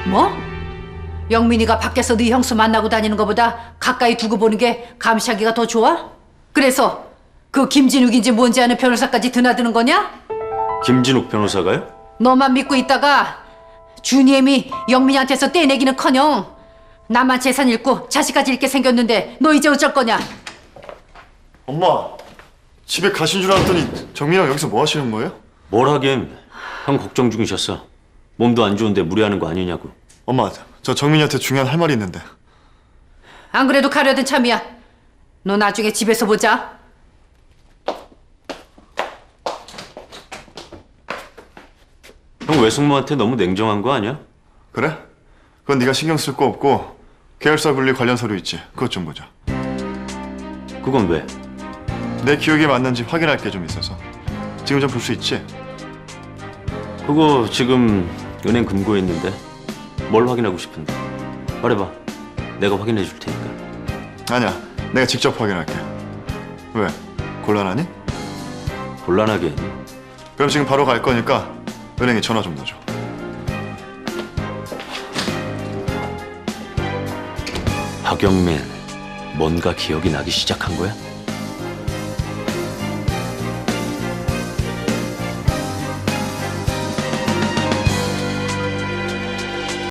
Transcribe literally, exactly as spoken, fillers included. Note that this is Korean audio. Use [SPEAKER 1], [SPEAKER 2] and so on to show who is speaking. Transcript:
[SPEAKER 1] 뭐? 영민이가 밖에서 네 형수 만나고 다니는 것보다 가까이 두고 보는 게 감시하기가 더 좋아? 그래서 그 김진욱인지 뭔지 아는 변호사까지 드나드는 거냐?
[SPEAKER 2] 김진욱 변호사가요?
[SPEAKER 1] 너만 믿고 있다가 준이엠이 영민이한테서 떼내기는커녕 나만 재산 잃고 자식까지 잃게 생겼는데 너 이제 어쩔 거냐?
[SPEAKER 3] 엄마, 집에 가신 줄 알았더니 정민이랑 여기서 뭐 하시는 거예요?
[SPEAKER 2] 뭘 하긴. 형 걱정 중이셨어. 몸도 안 좋은데 무리하는 거 아니냐고.
[SPEAKER 3] 엄마, 저 정민이한테 중요한 할 말이 있는데.
[SPEAKER 1] 안 그래도 가려던 참이야. 너 나중에 집에서 보자.
[SPEAKER 2] 형 외숙모한테 너무 냉정한 거 아니야?
[SPEAKER 3] 그래? 그건 네가 신경 쓸 거 없고 계열사 분리 관련 서류 있지? 그것 좀 보자.
[SPEAKER 2] 그건 왜?
[SPEAKER 3] 내 기억이 맞는지 확인할 게 좀 있어서. 지금 좀 볼 수 있지?
[SPEAKER 2] 그거 지금 은행 금고에 있는데 뭘 확인하고 싶은데? 말해봐. 내가 확인해 줄 테니까.
[SPEAKER 3] 아니야, 내가 직접 확인할게. 왜? 곤란하니?
[SPEAKER 2] 곤란하게 했니?
[SPEAKER 3] 그럼 지금 바로 갈 거니까 은행에 전화 좀 넣어줘.
[SPEAKER 2] 박영민, 뭔가 기억이 나기 시작한 거야?